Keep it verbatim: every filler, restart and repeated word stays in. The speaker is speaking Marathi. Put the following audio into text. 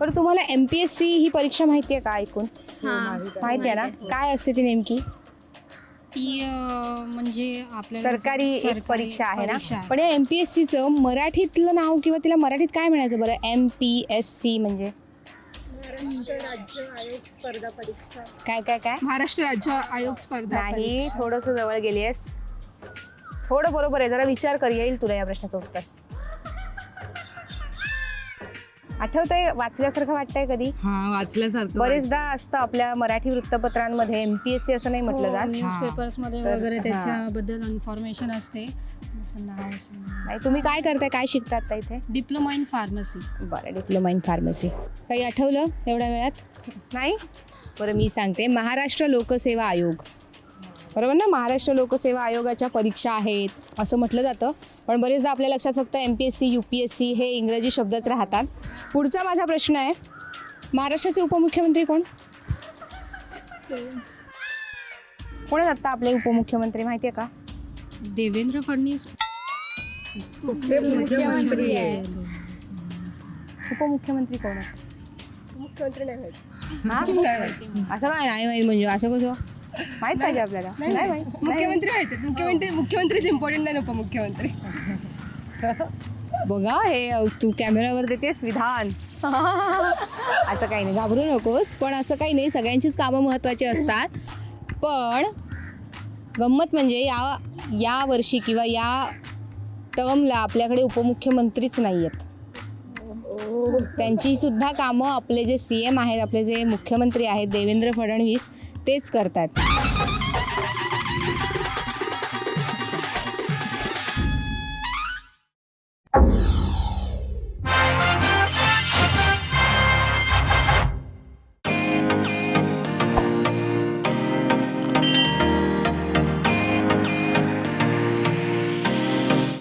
बरं तुम्हाला एम पी एस सी ही परीक्षा माहिती आहे का ऐकून? माहिती आहे ना, काय असते ती नेमकी? ती अं, म्हणजे आपल्याला सरकारी एक सरकारी परीक्षा आहे ना. परीक्षा आहे. पण या एम पी एस सीचं मराठीतलं नाव किंवा तिला मराठीत काय म्हणायचं बरं? एम पी एस सी म्हणजे महाराष्ट्र राज्य आयोग स्पर्धा परीक्षा. काय काय काय? महाराष्ट्र राज्य आयोग स्पर्धा नाही, थोडंसं जवळ गेली आहेस. थोडं बरोबर आहे, जरा विचार कर, येईल तुला या प्रश्नाचं उत्तर. आठवतंय, वाचल्यासारखं वाटतंय कधी? हा वाचल्यासारखं बरेचदा असतं आपल्या मराठी वृत्तपत्रांमध्ये एम पी एस सी असं नाही म्हटलं जात. न्यूज पेपर्स मध्ये तर- वगैरे हा. त्याच्याबद्दल इन्फॉर्मेशन असते. असं नाव असं- नाही, तुम्ही काय करताय, काय शिकतात आता इथे? Diploma in pharmacy. बरं, डिप्लोमा इन फार्मसी. काही आठवलं एवढ्या वेळात? नाही? बरं, मी सांगते. महाराष्ट्र लोकसेवा आयोग, बरोबर ना? महाराष्ट्र लोकसेवा आयोगाच्या परीक्षा आहेत असं म्हटलं जातं, पण बरेचदा आपल्या लक्षात फक्त M P S C, U P S C हे इंग्रजी शब्दच राहतात. पुढचा माझा प्रश्न आहे, महाराष्ट्राचे उपमुख्यमंत्री कोण? कोण आहेत आत्ता आपले उपमुख्यमंत्री, माहिती आहे का? देवेंद्र फडणवीस मुख्यमंत्री आहे. उपमुख्यमंत्री कोण आहेत? मुख्यमंत्री नाही माहित. हा? असं काय नाही माहीत म्हणजे, असं कसं माहीत पाहिजे आपल्याला? नाही माहीत. मुख्यमंत्री माहित आहेत. मुख्यमंत्री मुख्यमंत्रीच इम्पॉर्टंट नाही, उपमुख्यमंत्री. बघा, हे अ, तू कॅमेरावर देतेस विधान. असं काही नाही, घाबरू नकोस. पण असं काही नाही, सगळ्यांचीच कामं महत्त्वाची असतात. पण गंमत म्हणजे या या वर्षी किंवा या टर्मला आपल्याकडे उपमुख्यमंत्रीच नाही आहेत. त्यांची सुद्धा कामं आपले जे सी एम आहेत, आपले जे मुख्यमंत्री आहेत देवेंद्र फडणवीस, तेच करतात.